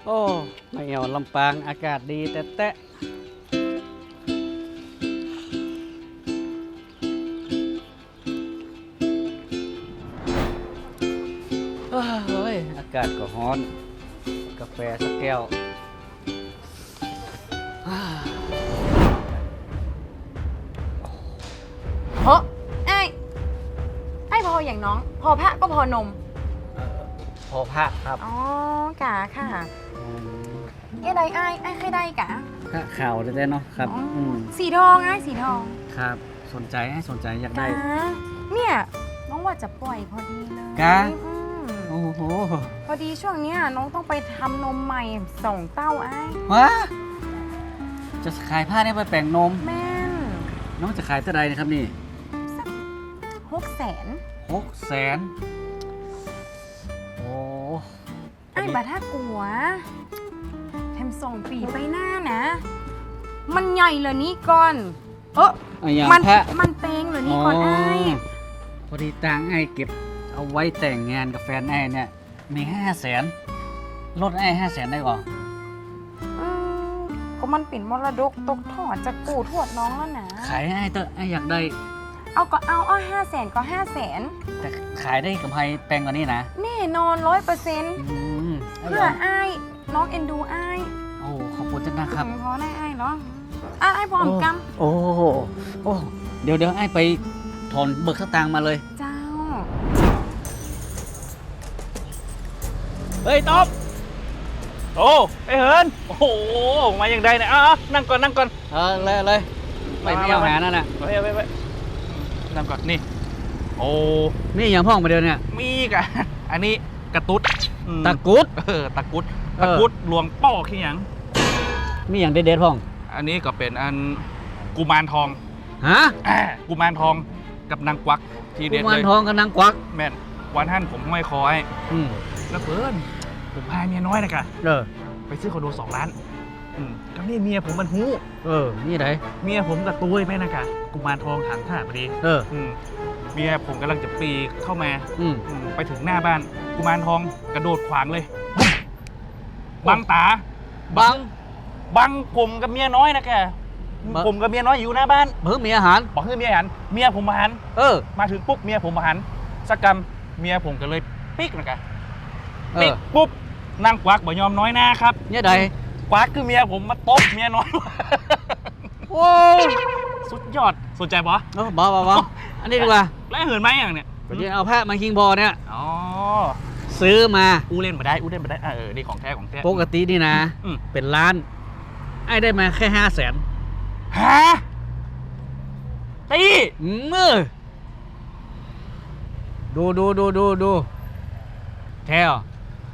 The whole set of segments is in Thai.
โอ้ไม่เอาลำปางอากาศดีแต่เฮ้ยอากาศก็ร้อน กาแฟสักแก้วเพราะไอ้พออย่างน้อง พอพระก็พอนมพอพระครับอ๋อกะค่ะเอ๊ะใดไอ้เคยได้กะพระข่าวได้เนาะครับอ๋อสีทองสีทองครับสนใจอยากได้กะเนี่ยน้องว่าจะปล่อยพอดีเลยกะอืมโอ้โหพอดีช่วงเนี้ยน้องต้องไปทำนมใหม่2 เต้าไอ้วะจะขายผ้าเนี่ยไปแปลงนมแม่นน้องจะขายเท่าไรนะครับนี่ 600,000 600,000โอ้ไอ้บาถ้ากลัวแถม2 ปีไปหน้านะ มันใหญ่เลยนี่ก่อนอย่างมันพระมันเปงเลยนี่ก่อนไอ้พอดีตังค์ไอ้เก็บเอาไว้แต่งงานกับแฟนไอ้เนี่ยมี500,000ลดไอ้500,000ได้ก่อนก็มันปิ่นมรดกตกทอดจากปู่ทวดน้องแล้วนะขายให้ไอ้เตอะไอ้อยากได้เอา500,000ก็500,000 แต่ขายได้กำไรแปลงกว่านี้นะแน่นอน 100% เพื่ออ้ายน้องเอ็นดูอ้ายโอ้ขอบคุณจังนะครับพอได้อ้ายเหรออ้ายพร้อมกำโอ้เดี๋ยวไอ้ไปถอนเบิกสตางค์มาเลยเจ้าเฮ้ยต๊อบโอ้ไอเหินโอ้โหมาอย่างใดเนี่ยนั่งก่อนเลยไม่เอาหานั่นน่ะไปนั่งก่อนนี่โอ้นี่อย่างพ่องมาเดียวเนี่ยมีกะอันนี้กระตุ๊ดตะกุดตะกุดหลวงป้อขี้หยังมีอย่างเด็ดๆพ่องอันนี้ก็เป็นอันกุมารทองฮะกุมารทองกับนางกวักทีเด็ดกุมาเลรยทองกับนางกวักแม่นวันท่านผมไม่คอยอืมแล้วเพิ่นผมพาเมียน้อยนะกะ ไปซื้อคอนโด2 ล้านก็นี่เมียผมมันหู้นี่ไหนเมียผมกับตุ้ยแม่นะกะกุมารทองถังท่าพอดีเมียผมกำลังจะปีเข้ามาไปถึงหน้าบ้านกุมารทองกระโดดขวางเลยบังตาบังผมกับเมียน้อยนะแกผมกับเมียน้อยอยู่หน้าบ้านเพิ่งมีอาหารบอกให้เมียหันเมียผมมาหันมาถึงปุ๊บเมียผมมาหันสักกรรมเมียผมก็เลยปิ๊กนะแกปิ๊กปุ๊บนางกวักบ่ยอมน้อยหน้าครับเนี่ยใดกวักคือเมียผมมาตบเมียน้อยโอ้สุดยอดสนใจปะบ้าอันนี้ดีกว่าแล้วเหินไหมอย่างเนี้ยเดี๋ยวเอาแพะมาคิงบอเนี่ยอ๋อซื้อมาอู้เล่นมาได้นี่ของแท้ปกตินี่นะ เป็นล้าน ไอ้ได้มาแค่500,000 ฮะตีดูแท้เหรอ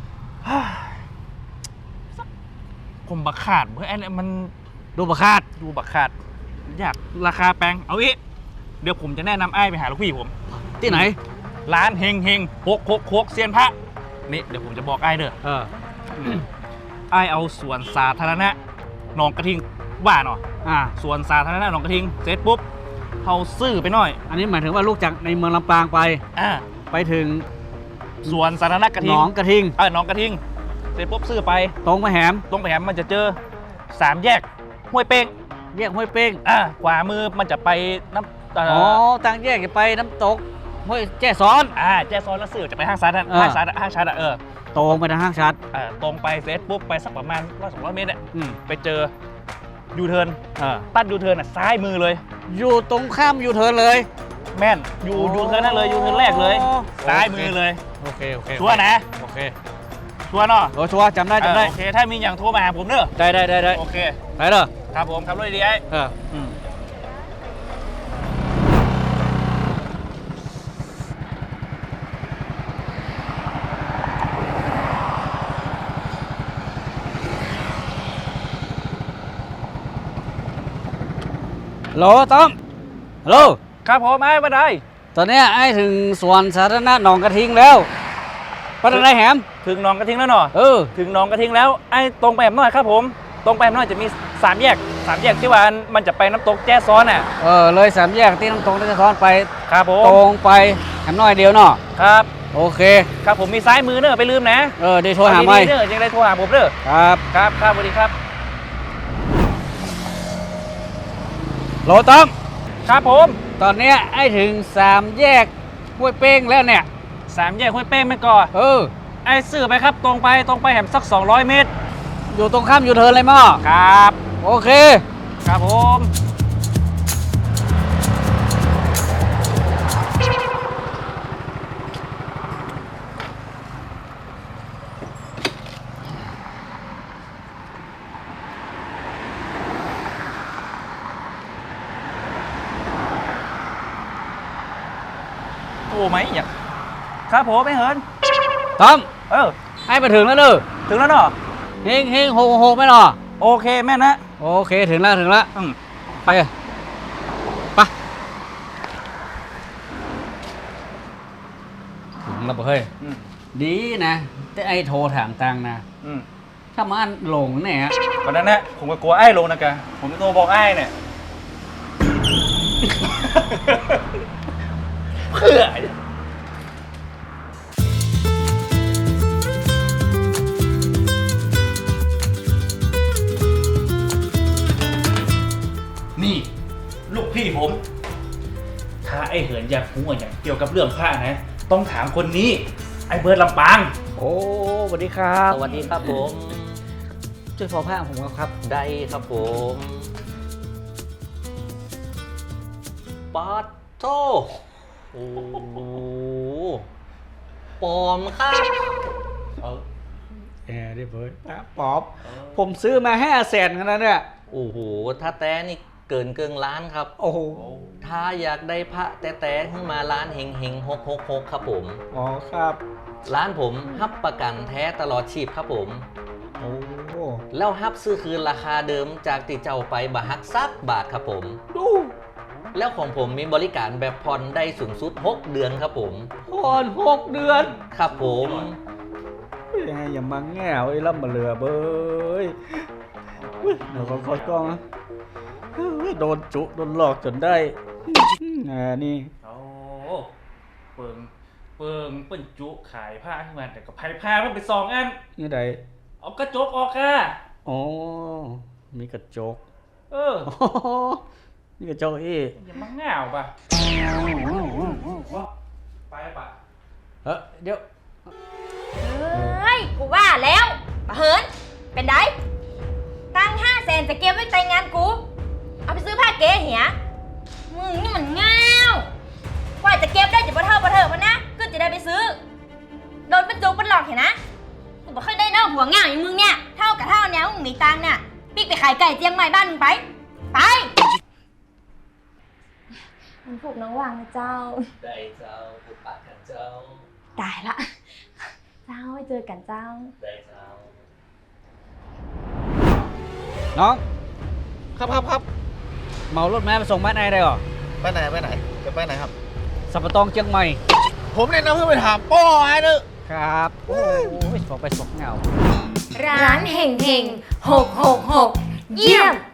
ผมบักขาดเพื่อไอ้เนี่ยมันดูประคาดดูบักขาดอยากราคาแพงเอาอีกเดี๋ยวผมจะแนะนำไอ้ไปหาลูกพี่ผมที่ไหนร้านเฮงโคกเซียนพระนี่เดี๋ยวผมจะบอกไอ้เด้อไอ้เอาสวนสาธารณะหนองกระทิงว่าเนาะสวนสาธารณะหนองกระทิงเสร็จปุ๊บเขาซื้อไปหน่อยอันนี้หมายถึงว่าลูกจากในเมืองลำปางไปถึงสวนสาธารณะกระทิงหนองกระทิงหนองกระทิงเสร็จปุ๊บซื้อไปตรงไปแหมมันจะเจอ3 แยกห้วยเป้งแยกห้วยเป้งขวามือมันจะไปน้ำต่างแยกจะไปน้ำตกห้วยแจ้ซ้อนแจ้ซ้อนแล้วซื้อจะไปห้างซัดห้างชัดตรงไปทางห้างชัดตรงไปเสร็จปุ๊บไปสักประมาณ100-200 เมตรไปเจอยูเทิร์นตัดยูเทิร์นซ้ายมือเลยอยู่ตรงข้ามยูเทิร์นเลยแม่นยูเทิร์นนั่นเลยยูเทิร์นแรกเลยซ้ายมือเลยโอเคชัวร์นะโอเคชัวร์เนาะชัวร์จำได้โอเคถ้ามีอย่างโทรมาหาผมเนอะได้โอเคไปเลยครับผมขับรถดีไอ้ฮัลโหลต้อมฮัลโหลครับผมไอ้มาได้ตอนนี้ไอ้ถึงสวนสาธารณะหนองกระทิงแล้วไปทางไหนแหมถึงหนองกระทิงแล้วเนาะถึงหนองกระทิงแล้วไอ้ตรงไปแบบน้อยครับผมตรงไปแบบน้อยจะมี3 แยกที่ว่ามันจะไปน้ำตกแจ้ซ้อนน่ะเลย3 แยกที่น้ำตกแจ้ซ้อนไปครับผมตรงไปแหมน้อยเดียวเนาะครับโอเคครับผมมีซ้ายมือเนอะไปลืมนะได้โทรหาไม่เนอะยังได้โทรหาผมเนอะครับครับครับสวัสดีครับโหลต้อมครับผมตอนเนี้ยไอ้ถึง3 แยกห้วยเป้งแล้วเนี่ย 3 แยกห้วยเป้งไม่ก่อน ไอ้สื่อไปครับตรงไปแหมสัก200 เมตรอยู่ตรงข้ามยูเทิร์นเลยมั้งครับโอเคครับผม โอ้ไหมอย่างครับผมไม่เหินต้อมให้ไปถึงแล้วเนอะถึงแล้วเนาะเฮงโหไม่หรอโอเคแม่นะโอเคถึงแล้วอืมไปถึงแล้วเฮ้ยอืมดีนะแต่ไอ้โทรถามตังนะอืมถ้ามันหลงเนี่ยวันนั้นนะผมก็กลัวไอ้ลงนะแกผมโทรบอกไอ้เนี่ย เพื่อนี่ ลูกพี่ผม ถ้าไอ้เหินอยากรู้อย่างเกี่ยวกับเรื่องผ้านะ ต้องถามคนนี้ ไอ้เบิร์ดลำปางโอ้สวัสดีครับสวัสดีครับผมช่วยพอผ้าผมครับได้ครับผมปาดโตโอ้โหปลอมครับได้เบิร์ดป๊อปผมซื้อมา500,000กันแล้วเนี่ยโอ้โห ถ้าแต้นี่เกินเกิงล้านครับโอ้โหถ้าอยากได้พระแต่ขึ้นมาร้านเฮงเฮง666ครับผมอ๋อครับร้านผมฮับประกันแท้ตลอดชีพครับผมโอ้แล้วฮับซื้อคืนราคาเดิมจากติเจ้าไปบาฮักซักบาทครับผมดูแล้วของผมมีบริการแบบผ่อนได้สูงสุด 6 เดือนครับผมผ่อน6 เดือนครับผมยังไงอย่ามาแง่วไอ้ล่ำมาเรือเบ้ยเดี๋ยวขอกล้องนะโดนจุโดนหลอกจนได้นี่โอ้เปิงเปิ้นจุขายผ้าขึ้นมาแต่ก็ไผ่ผ้ามันไป2 อันนี่ใดเอากระจกออกค่ะอ๋อมีกระจก นี่กระจกอีกอย่ามาง่าวป่ะไปป่ะเดี๋ยวเฮ้ย กูว่าแล้วปะเหิน เป็นไดตั้ง500,000จะเก็บไว้แต่งงานกู เอาไปซื้อผ้าเก๋เหียมึงนี่มันง่าวกว่าจะเก็บได้จะบ่เท่าบ่เถอะมันนะก็จะได้ไปซื้อ โดนเป็นจุกเป็นหลอกเห็นนะ กูบ่เคยได้เน่าหัวง่าวอย่างมึงเนี่ย เท่ากับเท่าแนวมึงมีตังค์เนี่ยปิ๊กไปขายไก่เจียงใหม่บ้านมึงไป ไป มันผูกน้องวางนะเจ้าได้เจ้าปุปะกันเจ้าตายละ เจ้าไว้เจอกันเจ้าได้เจ้าน้องครับเหมารถแม่ไปส่งบ้านไอ้ได้หรอไปไหนจะไปไหนครับสัปะตองเชียงใหม่ผมเนี่ยนะเพื่อไปถามป้อไอ้เนอะครับ โอ้ยส่งไปส่งเงาร้านเฮงเฮง666 เยี่ยม